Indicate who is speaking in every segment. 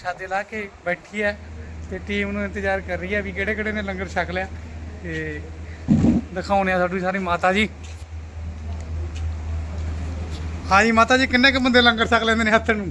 Speaker 1: ਪ੍ਰਸ਼ਾਦੇ ਲਾ ਕੇ ਬੈਠੀ ਹੈ ਤੇ ਟੀਮ ਨੂੰ ਇੰਤਜ਼ਾਰ ਕਰ ਰਹੀ ਹੈ ਵੀ ਕਿਹੜੇ ਕਿਹੜੇ ਨੇ ਲੰਗਰ ਛਕ ਲਿਆ। ਤੇ ਦਿਖਾਉਣੇ ਆ ਸਾਡੀ ਸਾਰੀ ਮਾਤਾ ਜੀ। हाँ जी माता जी किन्ने क बंदे लंगर छक लेंदे ने हत्थ नूं?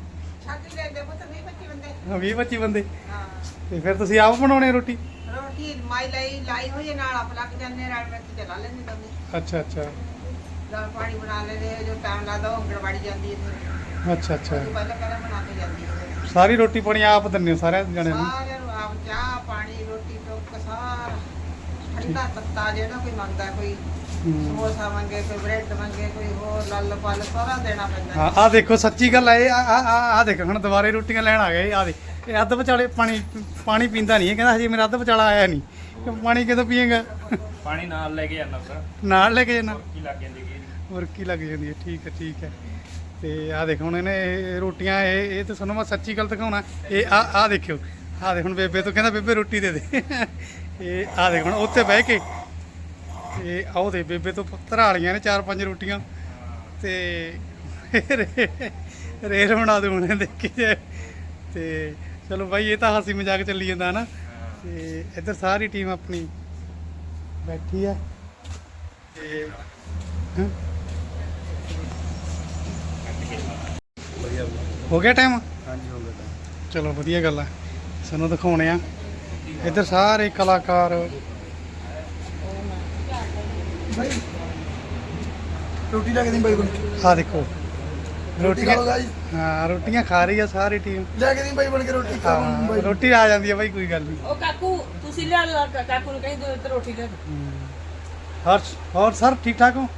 Speaker 1: 20-25 बंदे। ਤੇ ਫਿਰ ਤੁਸੀਂ ਆਪ ਬਣਾਉਣੇ ਰੋਟੀ?
Speaker 2: ਰੋਟੀ ਲਾਈ ਹੋਈ ਹੈ ਨਾਲ ਆਪ ਲੱਗ ਜਾਂਦੇ ਰਾਤ ਵਿੱਚ ਚਲਾ ਲੈਂਦੇ ਦੋਨੇ।
Speaker 1: ਅੱਛਾ ਅੱਛਾ।
Speaker 2: ਦਾਲ ਪਾਣੀ ਬਣਾ ਲੈਂਦੇ ਜੋ ਟਾਈਮ ਲੱਗਦਾ ਉਹ ਅੰਗਣਵਾੜੀ ਜਾਂਦੀ ਹੈ ਫਿਰ।
Speaker 1: ਅੱਛਾ ਅੱਛਾ।
Speaker 2: ਪਹਿਲਾਂ ਬਣਾ ਕੇ ਜਾਂਦੀ ਹੈ।
Speaker 1: ਸਾਰੀ ਰੋਟੀ ਪਾਣੀ ਆਪ ਦਿੰਦੇ ਹੋ ਸਾਰਿਆਂ ਜਣਿਆਂ ਨੂੰ?
Speaker 2: ਸਾਰਿਆਂ ਨੂੰ ਆਪ ਚਾਹ ਪਾਣੀ ਰੋਟੀ ਟੋਕ ਸਾਰਾ ਠੰਡਾ ਤੱਤਾ ਜਿਹੜਾ ਕੋਈ ਮੰਗਦਾ ਕੋਈ ਸਮੋਸਾ ਮੰਗੇ ਕੋਈ ਬ੍ਰੈਡ ਮੰਗੇ ਕੋਈ ਹੋਰ ਲੱਲ ਪਲ ਸਾਰਾ ਦੇਣਾ ਪੈਂਦਾ।
Speaker 1: ਹਾਂ ਆ ਦੇਖੋ ਸੱਚੀ ਗੱਲ ਹੈ। ਆ ਦੇਖ ਹੁਣ ਦੁਬਾਰੇ ਰੋਟੀਆਂ ਲੈਣ ਆ ਗਏ। ਆ ਦੇ ਇਹ ਅੱਧ ਵਿਚਾਲੇ ਪਾਣੀ ਪੀਂਦਾ ਨਹੀਂ। ਇਹ ਕਹਿੰਦਾ ਹਜੇ ਮੇਰਾ ਅੱਧ ਵਿਚਾਲਾ ਆਇਆ ਨਹੀਂ। ਪਾਣੀ ਕਦੋਂ ਪੀਏਗਾ?
Speaker 3: ਪਾਣੀ ਨਾਲ ਲੈ ਕੇ ਜਾਂਦਾ ਸਰ।
Speaker 1: ਨਾਲ ਲੈ ਕੇ ਜਾਣਾ?
Speaker 3: ਕੀ ਲੱਗ ਜਾਂਦੀ ਕੀ
Speaker 1: ਮੁਰਕੀ ਲੱਗ ਜਾਂਦੀ ਹੈ। ਠੀਕ ਹੈ ਠੀਕ ਹੈ। ਤੇ ਆ ਦੇਖ ਹੁਣ ਇਹਨੇ ਇਹ ਰੋਟੀਆਂ ਇਹ ਤਾਂ ਸਾਨੂੰ ਮੈਂ ਸੱਚੀ ਗੱਲ ਦਿਖਾਉਣਾ। ਇਹ ਆ ਦੇਖਿਓ ਆ ਦੇ ਹੁਣ ਬੇਬੇ ਤੋਂ ਕਹਿੰਦਾ ਬੇਬੇ ਰੋਟੀ ਦੇ ਦੇ। ਇਹ ਆ ਦੇਖ ਹੁਣ ਉੱਥੇ ਬਹਿ ਕੇ ਇਹ ਆਓ ਦੇ ਬੇਬੇ ਤੋਂ ਧਰਾ ਲਈਆਂ ਨੇ 4-5 ਰੋਟੀਆਂ ਤੇ ਰੇਲ ਬਣਾ ਦੂ ਹੁਣੇ ਦੇਖੀ ਜੇ। ਤੇ ਚਲੋ ਬਾਈ ਇਹ ਤਾਂ ਹਾਸੀ ਮਜ਼ਾਕ ਚੱਲੀ ਜਾਂਦਾ ਨਾ। ਤੇ ਇੱਧਰ ਸਾਰੀ ਟੀਮ ਆਪਣੀ ਬੈਠੀ ਆ ਤੇ ਹੋ ਗਿਆ ਟਾਈਮ?
Speaker 3: ਹਾਂਜੀ ਹੋ ਗਿਆ।
Speaker 1: ਚਲੋ ਵਧੀਆ ਗੱਲ ਆ। ਸਾਨੂੰ ਦਿਖਾਉਣੇ ਆ ਇੱਧਰ ਸਾਰੇ ਕਲਾਕਾਰ।
Speaker 4: ਰੋਟੀ ਲੈ ਕੇ ਦੀ ਬਾਈ ਬਣ
Speaker 1: ਆ ਦੇਖੋ ਰੋਟੀਆਂ।
Speaker 4: ਗਾਈ
Speaker 1: ਹਾਂ ਰੋਟੀਆਂ ਖਾ ਰਹੀ ਆ ਸਾਰੀ ਟੀਮ।
Speaker 4: ਲੈ ਕੇ ਦੀ ਬਾਈ ਬਣ ਕੇ ਰੋਟੀ ਖਾ
Speaker 1: ਹਾਂ ਰੋਟੀ ਆ ਜਾਂਦੀ ਆ ਬਾਈ ਕੋਈ ਗੱਲ ਨਹੀਂ।
Speaker 2: ਉਹ ਕਾਕੂ ਤੁਸੀਂ ਲਿਆ ਲਓ ਕਾਕੂ ਨੂੰ ਕਹੀਂ ਦੋ ਰੋਟੀ ਲੈ
Speaker 1: ਹੋਰ ਸਰ ਠੀਕ ਠਾਕ ਹੋ?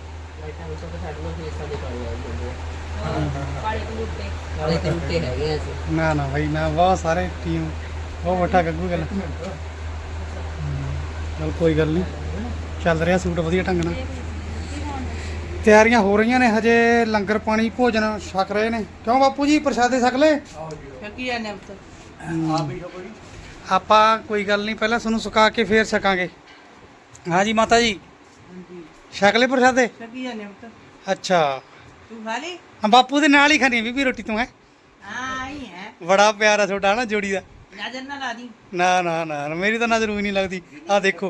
Speaker 1: ਨਾ ਨਾ ਭਾਈ ਨਾ ਬਹੁਤ ਸਾਰੇ ਟੀਮ ਬਹੁਤ ਵੱਡਾ ਗੱਗੂ ਗੱਲ। ਚਲ ਕੋਈ ਗੱਲ ਨਹੀਂ ਚੱਲ ਰਿਹਾ ਸੂਟ ਵਧੀਆ ਢੰਗ ਨਾਲ। ਤਿਆਰੀਆਂ ਹੋ ਰਹੀਆਂ ਨੇ ਹਜੇ ਲੰਗਰ ਪਾਣੀ ਭੋਜਨ ਛਕ ਰਹੇ ਨੇ। ਕਿਉਂ ਬਾਪੂ ਜੀ ਪ੍ਰਸ਼ਾਦੇ ਛਕ ਲਏ?
Speaker 2: ਕੀ ਆ ਨੇ
Speaker 1: ਆਪਾਂ ਕੋਈ ਗੱਲ ਨਹੀਂ ਪਹਿਲਾਂ ਤੁਹਾਨੂੰ ਸੁਕਾ ਕੇ ਫੇਰ ਛਕਾਂਗੇ। ਹਾਂ ਜੀ ਮਾਤਾ ਜੀ ਛਕ ਲਏ ਪ੍ਰਸ਼ਾਦੇ?
Speaker 2: ਕੀ ਆ ਨੇ
Speaker 1: ਅੱਛਾ
Speaker 2: ਤੂੰ ਖਾ ਲਈ?
Speaker 1: ਹਾਂ ਬਾਪੂ ਦੇ ਨਾਲ ਹੀ ਖਾਣੀ ਬੀਬੀ ਰੋਟੀ ਤੂੰ ਹੈ।
Speaker 2: ਹਾਂ ਆਈ ਹੈ
Speaker 1: ਬੜਾ ਪਿਆਰ ਆ ਤੁਹਾਡਾ ਨਾ ਜੋੜੀ ਦਾ।
Speaker 2: ਨਜ਼ਰ ਨਾ ਲਾ ਦੀ।
Speaker 1: ਨਾ ਨਾ ਨਾ ਮੇਰੀ ਤਾਂ ਨਜ਼ਰ ਵੀ ਨਹੀਂ ਲੱਗਦੀ। ਆ ਦੇਖੋ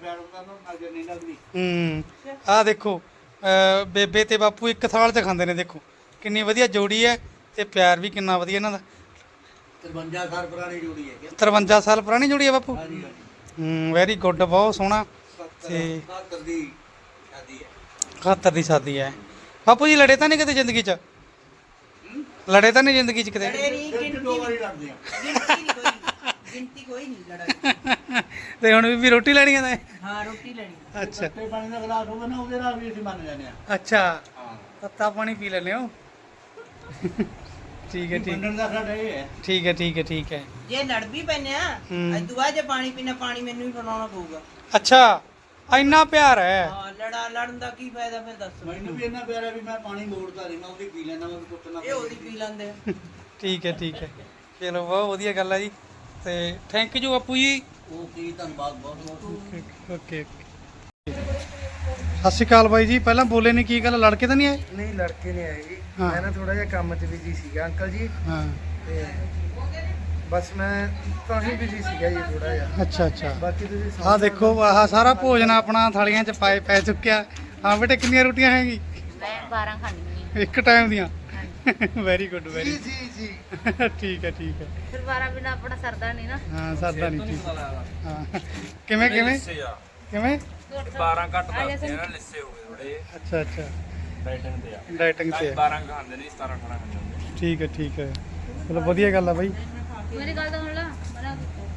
Speaker 1: ਆ ਦੇਖੋ ਬੇਬੇ ਤੇ ਬਾਪੂ ਇੱਕ ਥਾਲ 'ਚ ਖਾਂਦੇ ਨੇ। ਦੇਖੋ ਕਿੰਨੀ ਵਧੀਆ ਜੋੜੀ ਹੈ ਤੇ ਪਿਆਰ ਵੀ ਕਿੰਨਾ ਵਧੀਆ ਇਹਨਾਂ ਦਾ।
Speaker 4: 53 ਸਾਲ ਪੁਰਾਣੀ ਜੋੜੀ ਹੈ
Speaker 1: 53 ਸਾਲ ਪੁਰਾਣੀ ਜੋੜੀ ਹੈ ਬਾਪੂ। ਵੈਰੀ ਗੁੱਡ ਬਹੁਤ ਸੋਹਣਾ। ਤੇ
Speaker 4: 71 ਦੀ ਸ਼ਾਦੀ ਹੈ।
Speaker 1: 71 ਦੀ ਸ਼ਾਦੀ ਹੈ। ਬਾਪੂ ਜੀ ਲੜੇ ਤਾਂ ਨਹੀਂ ਕਿਤੇ ਜ਼ਿੰਦਗੀ 'ਚ? ਲੜੇ ਤਾਂ ਨਹੀਂ ਜ਼ਿੰਦਗੀ 'ਚ ਕਿਤੇ?
Speaker 4: ਦੋ ਵਾਰੀ ਲੜਦੇ ਆ।
Speaker 2: ਗਿਣਤੀ ਕੋਈ ਨਹੀਂ ਲੜਾਈ।
Speaker 1: ਤੇ ਹੁਣ ਵੀ ਰੋਟੀ ਲੈਣੀ ਹੈ?
Speaker 2: ਹਾਂ ਰੋਟੀ ਲੈਣੀ।
Speaker 1: ਅੱਛਾ
Speaker 4: ਤੇ ਪਾਣੀ ਦਾ ਗਲਾਸ ਹੋਵੇ ਨਾ ਉਹਦੇ ਨਾਲ ਵੀ ਅਸੀਂ ਮੰਨ ਜਾਂਦੇ ਆ।
Speaker 1: ਅੱਛਾ
Speaker 4: ਹਾਂ
Speaker 1: ਤੱਤਾ ਪਾਣੀ ਪੀ ਲੈਂਦੇ ਹੋ? ਠੀਕ ਹੈ ਠੀਕ
Speaker 4: ਮੰਨਣ ਦਾ ਸਾਡਾ ਇਹ ਹੈ।
Speaker 1: ਠੀਕ ਹੈ ਠੀਕ ਹੈ ਠੀਕ ਹੈ।
Speaker 2: ਜੇ ਲੜ ਵੀ ਪੈਨੇ ਆ ਅੱਜ ਤੋਂ ਬਾਅਦ ਜੇ ਪਾਣੀ ਪੀਣਾ ਪਾਣੀ ਮੈਨੂੰ ਹੀ ਪਿਲਾਉਣਾ ਪਊਗਾ।
Speaker 1: ਅੱਛਾ ਇੰਨਾ ਪਿਆਰ ਹੈ?
Speaker 2: ਹਾਂ ਲੜਨ ਦਾ ਕੀ ਫਾਇਦਾ ਫਿਰ ਦੱਸ।
Speaker 4: ਮੈਨੂੰ ਵੀ ਇੰਨਾ ਪਿਆਰਾ ਵੀ ਮੈਂ ਪਾਣੀ ਮੋੜਦਾ ਨਹੀਂ। ਮੈਂ ਉਹਦੀ ਪੀ ਲੈਂਦਾ ਮੈਂ ਕੁੱਟਣਾ।
Speaker 2: ਇਹ ਉਹਦੀ ਪੀ ਲੈਂਦੇ ਆ।
Speaker 1: ਠੀਕ ਹੈ ਚਲੋ ਬਹੁਤ ਵਧੀਆ ਗੱਲ ਹੈ ਜੀ। ਤੇ ਥੈਂਕ ਯੂ ਬਾਪੂ ਜੀ।
Speaker 4: ਓਕੇ ਧੰਨਵਾਦ ਬਹੁਤ ਬਹੁਤ।
Speaker 1: ਓਕੇ ਸਤਿ ਸ਼੍ਰੀ ਅਕਾਲ ਬਾਈ ਜੀ। ਪਹਿਲਾਂ ਬੋਲੇ ਨਹੀਂ ਕੀ ਗੱਲ ਲੜਕੇ ਤਾਂ ਨਹੀਂ ਆਏ?
Speaker 5: ਨਹੀਂ ਲੜਕੇ ਨਹੀਂ ਆਏ ਜੀ।
Speaker 1: ਹਾਂ।
Speaker 5: ਮੈਂ ਨਾ ਥੋੜਾ ਜਿਹਾ ਕੰਮ 'ਚ ਬਿਜੀ ਸੀਗਾ ਅੰਕਲ ਜੀ।
Speaker 1: ਹਾਂ
Speaker 5: ਤੇ ਬਸ ਮੈਂ ਤਾਂ ਹੀ ਬਿਜੀ ਸੀਗਾ ਜੀ ਥੋੜਾ ਜਿਹਾ।
Speaker 1: ਅੱਛਾ
Speaker 5: ਬਾਕੀ ਤੁਸੀਂ
Speaker 1: ਆਹ ਦੇਖੋ ਆਹ ਸਾਰਾ ਭੋਜਨ ਆਪਣਾ ਥਾਲੀਆਂ 'ਚ ਪੈ ਚੁੱਕਿਆ। ਹਾਂ ਬੇਟੇ ਕਿੰਨੀਆਂ ਰੋਟੀਆਂ ਹੈਗੀ?
Speaker 6: ਮੈਂ 12 ਖਾਣੀ
Speaker 1: ਇੱਕ ਟਾਈਮ ਦੀਆਂ? ਵੈਰੀ ਗੁੱਡ ਵੈਰੀ
Speaker 5: ਜੀ
Speaker 1: ਠੀਕ ਹੈ
Speaker 6: ਫਿਰ 12 ਬਿਨਾ ਆਪਣਾ ਸਰਦਾ ਨਹੀਂ ਨਾ।
Speaker 1: ਹਾਂ ਸਾਦਾ ਨਹੀਂ ਠੀਕ। ਹਾਂ ਕਿਵੇਂ
Speaker 3: 12 ਘੱਟ ਦੱਸਦੇ ਆ ਨਾ ਲਿੱਸੇ ਹੋ ਗਏ ਥੋੜੇ।
Speaker 1: ਅੱਛਾ
Speaker 3: ਡਾਈਟਿੰਗ ਤੇ ਆ।
Speaker 1: ਡਾਈਟਿੰਗ ਤੇ ਹੈ।
Speaker 3: 12 ਖਾਂਦੇ ਨਹੀਂ 17 18 ਖਾਂਦੇ।
Speaker 1: ਠੀਕ ਹੈ ਚਲੋ ਵਧੀਆ ਗੱਲ ਆ ਬਾਈ।
Speaker 6: ਮੇਰੀ ਗੱਲ ਤਾਂ ਸੁਣ ਲਾ ਬਣਾ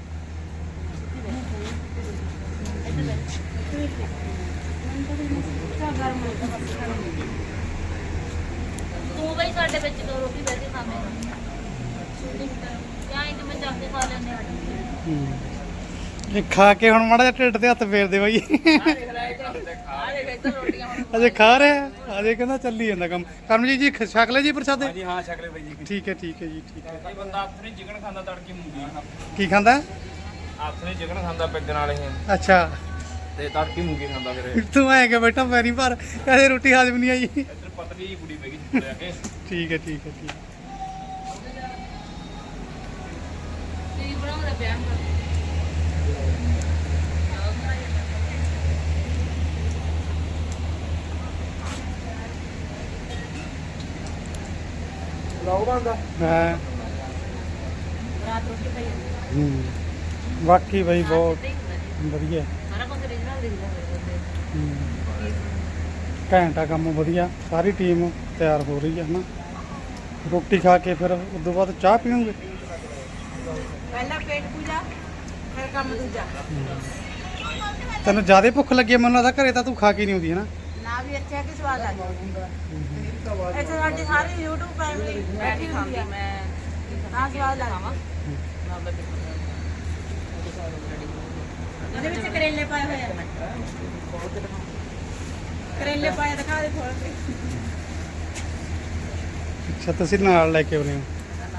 Speaker 6: ਤੂੰ ਬਈ ਸਾਡੇ ਵਿੱਚ ਦੋ ਰੋਟੀ ਬੈਠ ਕੇ ਖਾਵੇਂਗਾ ਜਾਂ ਇਹ ਮੈਂ ਚੱਕ ਕੇ ਖਾ ਲੈਂਦੇ ਆ।
Speaker 1: ਇਹ ਖਾ ਕੇ ਹੁਣ ਮਾੜਾ ਜਿਹਾ ਢਿੱਡ ਤੇ ਹੱਥ ਫੇਰ ਦੇ ਬਾਈ। ਅਜੇ ਖਾ ਰਿਹਾ ਅਜੇ ਕਹਿੰਦਾ ਚੱਲੀ ਜਾਂਦਾ ਕੰਮ। ਕਰਮਜੀਤ ਜੀ ਛਕ ਲੈ ਜੀ ਪ੍ਰਸ਼ਾਦੇ?
Speaker 3: ਹਾਂਜੀ ਹਾਂ ਛਕ ਲੈ ਬਾਈ ਜੀ।
Speaker 1: ਠੀਕ ਹੈ ਜੀ ਠੀਕ ਹੈ।
Speaker 3: ਇਹ ਬੰਦਾ ਹੱਥ ਨਹੀਂ ਚਿਕਨ ਖਾਂਦਾ ਤੜਕੀ ਮੂੰਗੀ।
Speaker 1: ਕੀ ਖਾਂਦਾ?
Speaker 3: ਹੱਥ ਨਹੀਂ ਚਿਕਨ ਖਾਂਦਾ ਪੈਗ ਨਾਲ ਇਹ
Speaker 1: ਅੱਛਾ
Speaker 3: ਤੇ ਤੜਕੀ ਮੂੰਗੀ ਖਾਂਦਾ ਫਿਰ।
Speaker 1: ਤੂੰ ਐਂ ਕਿ ਬੈਠਾ ਪੈਰੀ ਭਰ ਕਦੇ ਰੋਟੀ ਹਾਜ਼ਮ ਨਹੀਂ ਆਈ।
Speaker 3: ਇੱਧਰ ਪਤਲੀ ਜਿਹੀ ਕੁੜੀ ਬੈਗੀ ਚੁੱਪ ਲਿਆ ਕੇ।
Speaker 1: ਠੀਕ ਹੈ
Speaker 6: ਬਣਾਉਂਦਾ ਪਿਆ
Speaker 5: ਵਲੌਗ ਬਣਦਾ
Speaker 1: ਹਾਂ
Speaker 6: ਰਾਤ ਰੋਟੀ ਖਾਈ ਜਾਂਦੀ
Speaker 1: ਬਾਕੀ ਬਈ ਬਹੁਤ ਵਧੀਆ
Speaker 6: ਸਾਰਾ ਕੁਝ ਰੀਜਨਲ ਦਿਖਦਾ ਮੇਰੇ
Speaker 1: ਘੈਂਟਾ ਕੰਮ ਵਧੀਆ ਸਾਰੀ ਟੀਮ ਤਿਆਰ ਹੋ ਰਹੀ ਹੈ ਹਨਾ ਰੋਟੀ ਖਾ ਕੇ ਫਿਰ ਉਸ ਤੋਂ ਬਾਅਦ ਚਾਹ ਪੀਓਗੇ
Speaker 2: ਪਹਿਲਾਂ ਪੇਟ ਪੂਜਾ ਫਿਰ ਕੰਮ ਦੂਜਾ
Speaker 1: ਤੈਨੂੰ ਜ਼ਿਆਦਾ ਭੁੱਖ ਲੱਗੀ ਹੈ, ਮੈਨੂੰ ਲੱਗਦਾ ਘਰੇ ਤਾਂ ਤੂੰ ਖਾ ਕੇ ਨਹੀਂ ਆਉਂਦੀ ਹੈ ਨਾ
Speaker 2: ਨਾ ਵੀ ਅੱਛਾ ਕਿ ਸਵਾਦ ਆ ਗਿਆ ਇੱਥੇ ਸਾਡੀ ਸਾਰੀ YouTube ਫੈਮਿਲੀ ਬੈਠੀ ਹੁੰਦੀ ਆ ਹਾਂ ਸਵਾਦ ਲੱਗਦਾ ਇਹਦੇ ਵਿੱਚ ਕਰੇਲੇ ਪਾਏ ਹੋਏ ਆ ਕਰੇਲੇ ਪਾਏ ਦਿਖਾ ਦੇ ਥੋੜਾ ਤੇ
Speaker 1: ਅੱਛਾ ਤੁਸੀਂ ਨਾਲ ਲੈ ਕੇ ਆਉਨੇ ਹੋ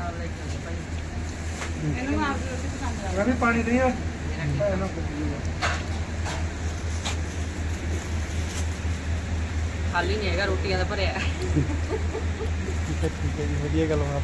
Speaker 2: ਇਹਨੂੰ ਆਪ ਦੀ ਰੋਟੀ ਪਸੰਦ ਆ
Speaker 5: ਮੈਂ ਵੀ ਪਾਣੀ ਨਹੀਂ ਆ
Speaker 2: ਖਾਲੀ ਨਹੀਂ ਹੈਗਾ ਰੋਟੀਆਂ ਦਾ ਭਰਿਆ
Speaker 1: ਠੀਕ ਹੈ ਜੀ ਵਧੀਆ ਗੱਲ ਬਾਤ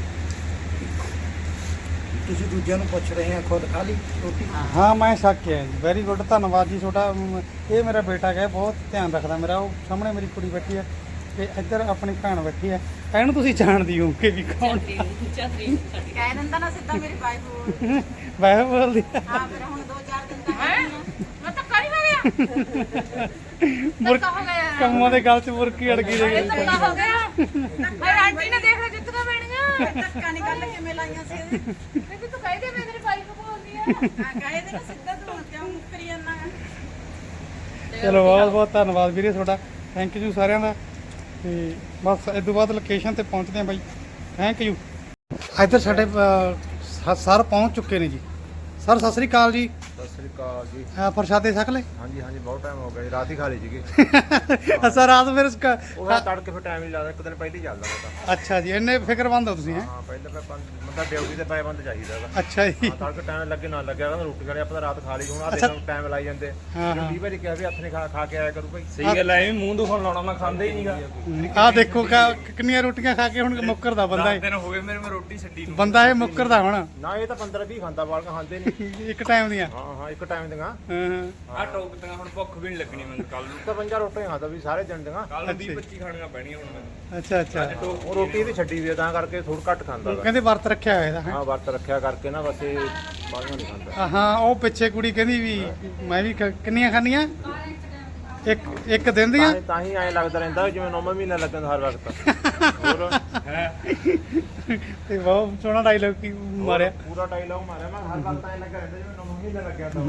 Speaker 5: ਤੁਸੀਂ ਦੂਜਿਆਂ ਨੂੰ ਪੁੱਛ ਰਹੇ ਆ ਖੁਦ ਖਾ ਲਈ ਰੋਟੀ
Speaker 1: ਹਾਂ ਮੈਂ ਛੱਕ ਕੇ ਆਇਆ ਜੀ ਵੈਰੀ ਗੁੱਡ ਧੰਨਵਾਦ ਜੀ ਤੁਹਾਡਾ ਇਹ ਮੇਰਾ ਬੇਟਾ ਹੈ ਬਹੁਤ ਧਿਆਨ ਰੱਖਦਾ ਮੇਰਾ ਉਹ ਸਾਹਮਣੇ ਮੇਰੀ ਕੁੜੀ ਬੈਠੀ ਹੈ ਤੇ ਇੱਧਰ ਆਪਣੀ ਭੈਣ ਬੈਠੀ ਹੈ ਇਹਨੂੰ ਤੁਸੀਂ ਜਾਣਦੀ ਹੋ ਕਿ ਵੀ ਕੌਣ
Speaker 2: ਕਹਿ ਦਿੰਦਾ ਨਾ ਸਿੱਧਾ ਮੇਰੀ ਵਾਈਫ
Speaker 1: ਵੈਸੇ ਬੋਲਦੀ ਹੈ
Speaker 2: ਹਾਂ ਫਿਰ ਹੁਣ 2-4 ਦਿਨ ਤੱਕ ਹੈ
Speaker 6: ਮੈਂ ਤਾਂ ਕਰੀ ਮਾਰਿਆ ਧੱਕਾ ਹੋ ਗਿਆ
Speaker 1: ਕੰਮਾਂ ਦੇ ਗਲ 'ਚ ਮੁਰਕੀ ਅੜ ਗਈ ਦੇ
Speaker 6: ਧੱਕਾ ਹੋ ਗਿਆ ਮੈਂ ਆਂਟੀ ਨੇ ਦੇਖ ਲਿਆ ਜੁੱਤੀਆਂ ਪੈਣੀਆਂ
Speaker 2: ਧੱਕਾ ਨਹੀਂ ਗੱਲ ਕਿਵੇਂ ਲਾਈਆਂ ਸੀ ਇਹਦੇ
Speaker 6: ਮੈਂ ਤੂੰ ਕਹਿ ਦੇ ਮੈਂ ਤੇਰੀ ਵਾਈਫ ਨੂੰ ਬੋਲਦੀ ਆ
Speaker 2: ਹਾਂ ਕਹੇ ਦੇ ਨਾ ਸਿੱਧਾ ਤੂੰ ਕਿਉਂ ਮੁੱਕਰੀ ਜਾਂਦਾ
Speaker 1: ਚਲੋ ਬਹੁਤ ਬਹੁਤ ਧੰਨਵਾਦ ਵੀਰੇ ਤੁਹਾਡਾ ਥੈਂਕ ਯੂ ਸਾਰਿਆਂ ਦਾ ਤੇ ਬਸ ਇਸ ਤੋਂ ਬਾਅਦ ਲੋਕੇਸ਼ਨ ਤੇ ਪਹੁੰਚਦੇ ਹਾਂ ਬਾਈ ਥੈਂਕ ਯੂ ਇੱਧਰ ਸਾਡੇ ਸਰ ਪਹੁੰਚ ਚੁੱਕੇ ਨੇ ਜੀ ਸਰ ਸਤਿ ਸ੍ਰੀ ਅਕਾਲ ਜੀ
Speaker 3: ਸਤਿ ਸ੍ਰੀ ਅਕਾਲ ਜੀ
Speaker 1: ਪ੍ਰਸ਼ਾਦੇ ਛਕ ਲੈ
Speaker 3: ਹਾਂਜੀ ਹਾਂਜੀ ਬਹੁਤ ਟਾਈਮ ਹੋ ਗਿਆ ਜੀ ਰਾਤ ਹੀ ਖਾ ਲਈ ਸੀਗੇ
Speaker 1: ਅੱਛਾ ਰਾਤ ਫਿਰ
Speaker 3: ਉਹ ਤੜਕੇ ਫਿਰ ਟਾਈਮ ਨਹੀਂ ਲੱਗਦਾ ਇੱਕ ਦਿਨ ਪਹਿਲਾਂ ਹੀ ਚੱਲਦਾ ਉਹ ਤਾਂ
Speaker 1: ਅੱਛਾ ਜੀ ਇੰਨੇ ਫਿਕਰਮੰਦ ਹੋ ਤੁਸੀਂ ਹੈ
Speaker 3: ਹਾਂ ਪਹਿਲਾਂ ਫਿਰ ਬੰਦਾ ਡਿਊਟੀ ਤੇ ਪਾਇਆ ਬੰਦ ਚਾਹੀਦਾ ਹੈਗਾ
Speaker 1: ਅੱਛਾ ਜੀ
Speaker 3: ਹਾਂ ਤੜਕੇ ਟਾਈਮ ਲੱਗੇ ਨਾ ਲੱਗਿਆ ਕਹਿੰਦਾ ਰੋਟੀ ਖਾਣੀ ਆਪਾਂ ਤਾਂ ਰਾਤ ਖਾ ਲਈ ਹੁਣ ਆ
Speaker 1: ਅੱਛਾ।
Speaker 3: ਦੇਖੋ ਟਾਈਮ ਲਾਈ ਜਾਂਦੇ
Speaker 1: ਹਾਂ, ਹਾਂ।
Speaker 3: 20 ਵਜੇ ਕਿਹਾ ਵੀ ਹੱਥ ਨੇ ਖਾ ਕੇ ਆਇਆ ਕਰੂ ਭਾਈ ਸਹੀ ਗੱਲ ਐ ਐਵੇਂ ਮੂੰਹ ਦੁਖਣ ਲਾਉਣਾ ਮੈਂ ਖਾਂਦਾ ਹੀ ਨਹੀਂਗਾ
Speaker 1: ਆਹ ਦੇਖੋ ਕਿੰਨੀਆਂ ਰੋਟੀਆਂ ਖਾ ਕੇ ਹੁਣ ਮੁੱਕਰਦਾ ਬੰਦਾ ਇਹ
Speaker 3: ਦਿਨ ਹੋ ਗਏ ਮੇਰੇ ਮੈਂ ਰੋਟੀ ਛੱਡੀ ਨੂੰ
Speaker 1: ਬੰਦਾ ਇਹ ਮੁੱਕਰਦਾ ਹੁਣ
Speaker 3: ਨਾ ਇਹ ਤਾਂ 15 20 ਖਾਂਦਾ ਬਾਲ ਖਾਂਦੇ ਨਹੀਂ
Speaker 1: ਇੱਕ ਟਾਈਮ ਦੀਆਂ
Speaker 3: ਹਾਂ ਹਾਂ ਇੱਕ ਟਾਈਮ ਦੀਆਂ
Speaker 1: ਹਾਂ
Speaker 3: ਆ ਟੋਕ ਦੀਆਂ ਹੁਣ ਭੁੱਖ ਵੀ ਨਹੀਂ ਲੱਗਣੀ ਮੈਨੂੰ ਕੱਲ ਨੂੰ ਤਾਂ 50 ਰੋਟੀਆਂ ਖਾਂਦਾ ਵੀ ਸਾਰੇ ਦਿਨ ਦੀਆਂ ਕੱਲ ਨੂੰ 20 25 ਖਾਣੀਆਂ ਪੈਣੀਆਂ ਹੁਣ ਮੈਨੂੰ
Speaker 1: ਅੱਛਾ ਅੱਛਾ
Speaker 3: ਉਹ ਰੋਟੀ ਵੀ ਛੱਡੀ ਵੀ ਆ, ਤਾਂ ਕਰਕੇ ਥੋੜਾ ਘੱਟ ਖਾਂਦਾ ਗਾ।
Speaker 1: ਕਹਿੰਦੇ ਵਰਤ ਰੱਖਿਆ ਹੋਇਆ ਇਹਦਾ ਹੈਂ?
Speaker 3: ਹਾਂ ਵਰਤ ਰੱਖਿਆ ਕਰਕੇ ਨਾ ਬਸ ਇਹ ਬਾਹਲੀਆਂ ਨਹੀਂ ਖਾਂਦਾ
Speaker 1: ਹਾਂ ਉਹ ਪਿੱਛੇ ਕੁੜੀ ਕਹਿੰਦੀ ਵੀ ਮੈਂ ਵੀ ਕਿੰਨੀਆਂ ਖਾਣੀਆਂ ਇੱਕ ਦਿਨ ਦੀਆਂ
Speaker 3: ਤਾਂ ਹੀ ਐਂ ਲੱਗਦਾ ਰਹਿੰਦਾ ਜਿਵੇਂ 9 ਮਹੀਨਾ ਲੱਗਣ ਹਰ ਵਕਤ ਹੋਰ ਹੈ
Speaker 1: ਤੇ ਬਹੁਤ ਸੋਹਣਾ ਡਾਇਲੌਗ ਕੀ ਮਾਰਿਆ
Speaker 3: ਪੂਰਾ ਡਾਇਲੌਗ ਮਾਰਿਆ ਮੈਂ ਹਰ ਵਕਤ ਐਂ ਲੱਗਾ ਰਹਿੰਦਾ ਜਿਵੇਂ 9 ਮਹੀਨਾ ਲੱਗਿਆ ਤਾਂ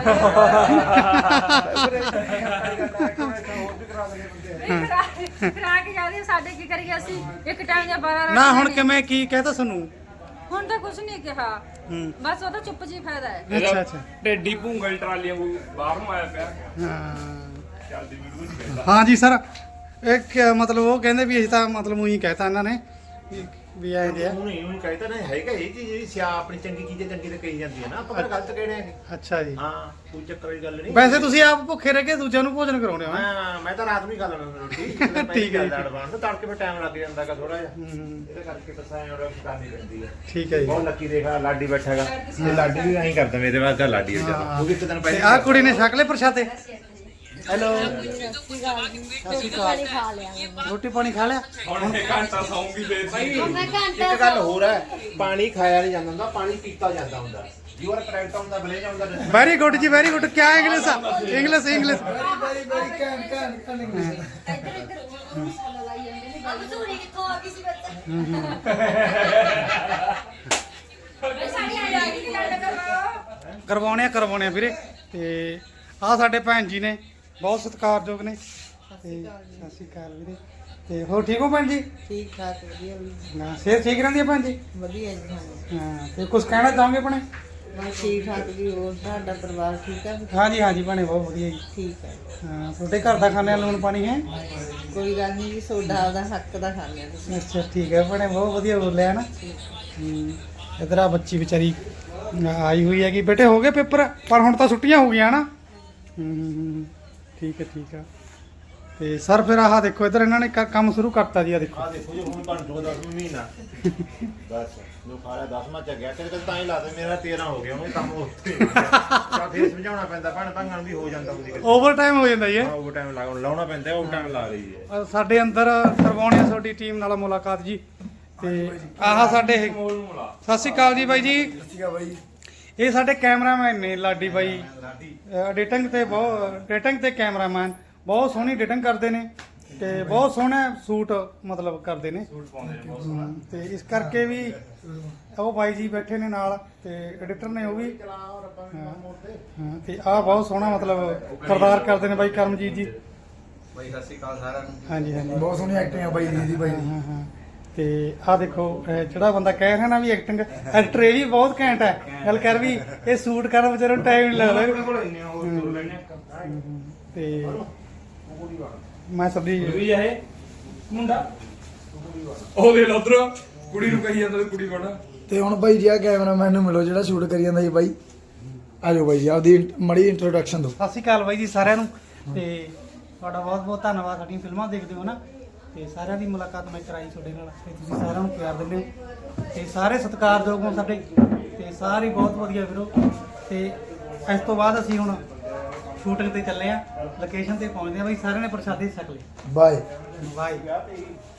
Speaker 6: ਕਰਾ ਕੇ ਜਾਂਦੇ ਸਾਡੇ ਕੀ ਕਰੀਏ ਅਸੀਂ ਇੱਕ ਟਾਈਮ ਜਾਂ 12
Speaker 1: ਨਾ ਹੁਣ ਕਿਵੇਂ ਕੀ ਕਹਤਾ ਸਾਨੂੰ
Speaker 6: ਹੁਣ ਤਾਂ ਕੁਝ ਨਹੀਂ ਕਿਹਾ
Speaker 1: ਹੂੰ
Speaker 6: ਬਸ ਉਹਦਾ ਚੁੱਪ ਜੀ ਫਾਇਦਾ ਹੈ
Speaker 1: ਅੱਛਾ ਅੱਛਾ
Speaker 3: ਢੇਡੀ ਭੂੰਗਲ ਟਰਾਲੀਆਂ ਬਾਹਰ ਨੂੰ ਆਇਆ ਪਿਆ
Speaker 1: ਹਾਂ
Speaker 3: ਚੱਲਦੀ ਵੀਡੀਓ ਨਹੀਂ ਕਹਿੰਦਾ
Speaker 1: ਹਾਂ ਜੀ ਸਰ ਮਤਲਬ ਉਹ ਕਹਿੰਦੇ ਵੀ ਅਸੀਂ ਤਾਂ ਮਤਲਬ ਉਹੀ ਕਹਿਤਾ ਇਹਨਾਂ ਨੇ ਵੀ ਆਏ ਦੇ ਆ
Speaker 3: ਉਹਨੂੰ ਕਹਿੰਦਾ ਨਾ ਹੈਗਾ ਇਹ ਚੀਜ਼ ਜਿਹੜੀ ਸਿਆ ਆਪਣੀ ਚੰਗੀ ਚੀਜ਼ ਚੰਗੀ ਤੇ ਕਹੀ ਜਾਂਦੀ ਹੈ ਨਾ ਆਪਾਂ ਗਲਤ ਕਹਿਣੇ ਆ
Speaker 1: ਅੱਛਾ ਜੀ
Speaker 3: ਹਾਂ ਕੋਈ ਚੱਕਰ ਵਾਲੀ ਗੱਲ ਨਹੀਂ
Speaker 1: ਵੈਸੇ ਤੁਸੀਂ ਆਪ ਭੁੱਖੇ ਰਹਿ ਕੇ ਦੂਜਿਆਂ ਨੂੰ ਭੋਜਨ ਕਰਾਉਂਦੇ ਹੋ ਹੈਂ?
Speaker 3: ਮੈਂ ਤਾਂ ਰਾਤ ਨੂੰ ਹੀ ਖਾ ਲੈਣਾ ਰੋਟੀ
Speaker 1: ਠੀਕ ਹੈ ਜੀ।
Speaker 3: ਐਡਵਾਂਸ ਤੜਕੇ ਫਿਰ ਟਾਈਮ ਲੱਗ ਜਾਂਦਾਗਾ ਥੋੜਾ ਜਿਹਾ
Speaker 1: ਹੂੰ,
Speaker 3: ਇਹਦੇ ਕਰਕੇ ਬਸ ਐਂ ਔਰ ਕਰਨੀ ਪੈਂਦੀ ਹੈ
Speaker 1: ਠੀਕ ਹੈ ਜੀ
Speaker 3: ਬਹੁਤ ਲੱਕੀ ਦੇਖਾ ਲਾਡੀ ਬੈਠਾ ਹੈਗਾ ਤੇ ਲਾਡੀ ਵੀ ਐਂ ਕਰਦਾ ਮੇਰੇ ਵਾਸਤੇ ਲਾਡੀ ਹੋ ਜਾਂਦਾ ਉਹ ਵੀ ਇੱਕ ਦਿਨ
Speaker 1: ਤੇ
Speaker 3: ਪਹਿਲਾਂ
Speaker 1: ਆਹ ਕੁੜੀ ਨੇ ਛਕ ਲਏ ਪ੍ਰਸ਼ਾਦੇ ਹੈਲੋ
Speaker 6: ਪਾਣੀ ਖਾ ਲਿਆ
Speaker 1: ਰੋਟੀ ਪਾਣੀ ਖਾ ਲਿਆ
Speaker 3: ਹੁਣ ਇੱਕ ਘੰਟਾ ਸੌਂਗੀ ਫੇਰ
Speaker 6: ਮੈਂ ਘੰਟਾ
Speaker 3: ਇੱਕ ਗੱਲ ਹੋਰ ਹੈ ਪਾਣੀ ਖਾਇਆ ਨਹੀਂ ਜਾਂਦਾ ਹੁੰਦਾ ਪਾਣੀ ਪੀਤਾ ਜਾਂਦਾ ਹੁੰਦਾ ਯੂ ਆਰ ਕਰੈਕਟ ਹੁੰਦਾ ਬਲੇਜ ਹੁੰਦਾ
Speaker 1: ਵੈਰੀ ਗੁੱਡ ਜੀ ਵੈਰੀ ਗੁੱਡ ਕਿਆ ਇੰਗਲਿਸ਼ ਆ ਇੰਗਲਿਸ਼
Speaker 6: ਮਜ਼ਦੂਰੀ ਕਿੱਥੋਂ ਆ ਗਈ ਸੀ ਬੱਚਾ
Speaker 1: ਕਰਵਾਉਣੇ ਆ ਵੀਰੇ ਤੇ ਆਹ ਸਾਡੇ ਭੈਣ ਜੀ ਨੇ ਬਹੁਤ ਸਤਿਕਾਰਯੋਗ ਨੇ ਤੇ ਸਤਿ ਸ਼੍ਰੀ ਅਕਾਲ ਵੀਰੇ ਤੇ ਹੋਰ ਠੀਕ ਹੋ ਭੈਣ ਜੀ
Speaker 2: ਠੀਕ ਠਾਕ ਵਧੀਆ ਵੀ
Speaker 1: ਹਾਂ ਸਿਹਤ ਠੀਕ ਰਹਿੰਦੀ ਹੈ ਭੈਣ ਜੀ
Speaker 2: ਵਧੀਆ ਜੀ
Speaker 1: ਹਾਂ ਤੇ ਕੁਝ ਕਹਿਣਾ ਚਾਹੋਗੇ ਭੈਣੇ
Speaker 2: ਬਸ ਠੀਕ ਠਾਕ ਜੀ ਹੋਰ ਤੁਹਾਡਾ ਪਰਿਵਾਰ ਠੀਕ ਹੈ
Speaker 1: ਹਾਂਜੀ ਭੈਣੇ ਬਹੁਤ ਵਧੀਆ ਜੀ
Speaker 2: ਠੀਕ ਹੈ
Speaker 1: ਹਾਂ ਤੁਹਾਡੇ ਘਰ ਦਾ ਖਾਣੇ ਲੂਣ ਪਾਣੀ ਹੈ
Speaker 2: ਕੋਈ ਗੱਲ ਨਹੀਂ ਜੀ ਤੁਹਾਡਾ ਆਪਦਾ ਹੱਕ ਦਾ ਖਾਂਦੇ ਆ ਤੁਸੀਂ
Speaker 1: ਅੱਛਾ ਠੀਕ ਹੈ ਭੈਣੇ ਬਹੁਤ ਵਧੀਆ ਬੋਲਿਆ ਨਾ ਇਧਰ ਆ ਬੱਚੀ ਵਿਚਾਰੀ ਆਈ ਹੋਈ ਹੈਗੀ ਬੇਟੇ ਹੋ ਗਏ ਪੇਪਰ ਪਰ ਹੁਣ ਤਾਂ ਛੁੱਟੀਆਂ ਹੋ ਗਈਆਂ ਨਾ ਠੀਕ ਹੈ ਤੇ ਸਰ ਫਿਰ ਆਹ ਦੇਖੋ ਇੱਧਰ ਇਹਨਾਂ ਨੇ ਕੰਮ ਸ਼ੁਰੂ ਕਰਤਾ ਜੀ। ਆ ਦੇਖੋ
Speaker 3: ਆ ਦੇਖੋ ਜੀ ਹੁਣ ਬਣ ਜੂਗਾ 10ਵਾਂ ਮਹੀਨਾ ਬਸ ਜੋ ਖਾਲਾ 10ਵਾਂ ਚ ਗਿਆ ਕਿਤੇ ਤਾਂ ਹੀ ਲਾ ਦੇ ਮੇਰਾ 13 ਹੋ ਗਿਆ ਉਹ ਕੰਮ ਉੱਥੇ ਤਾਂ ਫੇਰ ਸਮਝਾਉਣਾ ਪੈਂਦਾ ਭੈਣ ਭਾਂਗਾਂ ਨੂੰ ਵੀ ਹੋ ਜਾਂਦਾ ਹੁੰਦੀ
Speaker 1: ਓਵਰ ਟਾਈਮ ਹੋ ਜਾਂਦਾ ਜੀ ਇਹ।
Speaker 3: ਓਵਰ ਟਾਈਮ ਲਾਉਣਾ ਪੈਂਦਾ ਓਵਰ ਟਾਈਮ ਲਾ ਰਹੀ ਹੈ
Speaker 1: ਸਾਡੇ ਅੰਦਰ ਕਰਵਾਉਣੀ ਆ ਤੁਹਾਡੀ ਟੀਮ ਨਾਲ ਮੁਲਾਕਾਤ ਜੀ। ਤੇ ਆਹ ਸਾਡੇ ਸਤਿ ਸ਼੍ਰੀ ਅਕਾਲ ਜੀ ਬਾਈ ਜੀ।
Speaker 5: ਠੀਕ ਆ ਬਾਈ।
Speaker 1: ਇਹ ਸਾਡੇ ਕੈਮਰਾਮੈਨ ਨੇ ਲਾਡੀ ਬਾਈ, ਐਡੀਟਿੰਗ ਤੇ ਕੈਮਰਾਮੈਨ ਬਹੁਤ ਸੋਹਣੀ ਐਡੀਟਿੰਗ ਕਰਦੇ ਨੇ ਤੇ ਬਹੁਤ ਸੋਹਣਾ ਸ਼ੂਟ ਮਤਲਬ ਕਰਦੇ ਨੇ ਤੇ ਇਸ ਕਰਕੇ ਵੀ ਉਹ ਬਾਈ ਜੀ ਬੈਠੇ ਨੇ ਨਾਲ ਤੇ ਐਡੀਟਰ ਨੇ ਉਹ ਵੀ ਹਾਂ ਤੇ ਆਹ ਬਹੁਤ ਸੋਹਣਾ ਮਤਲਬ ਕਿਰਦਾਰ ਕਰਦੇ ਨੇ ਬਾਈ ਕਰਮਜੀਤ ਜੀ।
Speaker 4: ਬਾਈ ਸਤਿ ਸ਼੍ਰੀ ਅਕਾਲ ਸਾਰਿਆਂ ਨੂੰ।
Speaker 1: ਹਾਂਜੀ ਹਾਂਜੀ
Speaker 5: ਬਹੁਤ ਸੋਹਣੀ ਐਕਟਿੰਗ ਆ ਬਾਈ ਦੀ ਬਾਈ ਦੀ।
Speaker 1: ਹਾਂ ਹਾਂ ਤੇ ਆਹ ਦੇਖੋ ਜਿਹੜਾ ਬੰਦਾ ਕਹਿ ਰਿਹਾ ਨਾ ਵੀ ਐਕਟਿੰਗ ਐਕਟਰ ਇਹ ਵੀ ਬਹੁਤ ਘੈਂਟ ਹੈ। ਗੱਲ ਕਰ ਵੀ ਇਹ ਸ਼ੂਟ ਕਰਨ ਵਿਚਾਰੇ ਨੂੰ ਟਾਈਮ ਨਹੀਂ ਲੱਗਦਾ ਤੇ ਮੈਂ ਸਬਜੀ
Speaker 3: ਵੀ ਇਹ ਮੁੰਡਾ ਉਹ ਦੇ ਲੋ ਉਧਰ ਕੁੜੀ ਨੂੰ ਕਹੀ ਜਾਂਦਾ ਕੁੜੀ ਬਣਾ
Speaker 5: ਤੇ ਹੁਣ ਬਾਈ ਜੀ ਆ ਕੈਮਰਾਮੈਨ ਨੂੰ ਮਿਲੋ ਜਿਹੜਾ ਸ਼ੂਟ ਕਰੀ ਜਾਂਦਾ ਜੀ ਬਾਈ। ਆ ਜਾਓ ਬਾਈ ਜੀ ਆਪਦੀ ਮੜੀ ਇੰਟਰੋਡਕਸ਼ਨ ਦਿਓ।
Speaker 1: ਸਤਿ ਸ਼੍ਰੀ ਅਕਾਲ ਬਾਈ ਜੀ ਸਾਰਿਆਂ ਨੂੰ ਤੇ ਤੁਹਾਡਾ ਬਹੁਤ ਬਹੁਤ ਧੰਨਵਾਦ। ਸਾਡੀਆਂ ਫਿਲਮਾਂ ਦੇਖਦੇ ਹੋ ਨਾ ਤੇ ਸਾਰਿਆਂ ਦੀ ਮੁਲਾਕਾਤ ਮੈਂ ਕਰਾਈ ਤੁਹਾਡੇ ਨਾਲ ਤੇ ਤੁਸੀਂ ਸਾਰਿਆਂ ਨੂੰ ਪਿਆਰ ਦਿੰਦੇ ਹੋ ਤੇ ਸਾਰੇ ਸਤਿਕਾਰਯੋਗ ਹੋ ਸਾਡੇ ਤੇ ਸਾਰੇ ਬਹੁਤ ਵਧੀਆ ਵੀਰੋ। ਤੇ ਇਸ ਤੋਂ ਬਾਅਦ ਅਸੀਂ ਹੁਣ ਸ਼ੂਟਿੰਗ ਤੇ ਚੱਲੇ ਆ, ਲੋਕੇਸ਼ਨ ਤੇ ਪਹੁੰਚਦੇ ਆ ਬਾਈ। ਸਾਰਿਆਂ ਨੇ ਪ੍ਰਸ਼ਾਦੇ ਛਕ ਲਏ।
Speaker 5: ਬਾਏ।
Speaker 1: ਬਾਏ।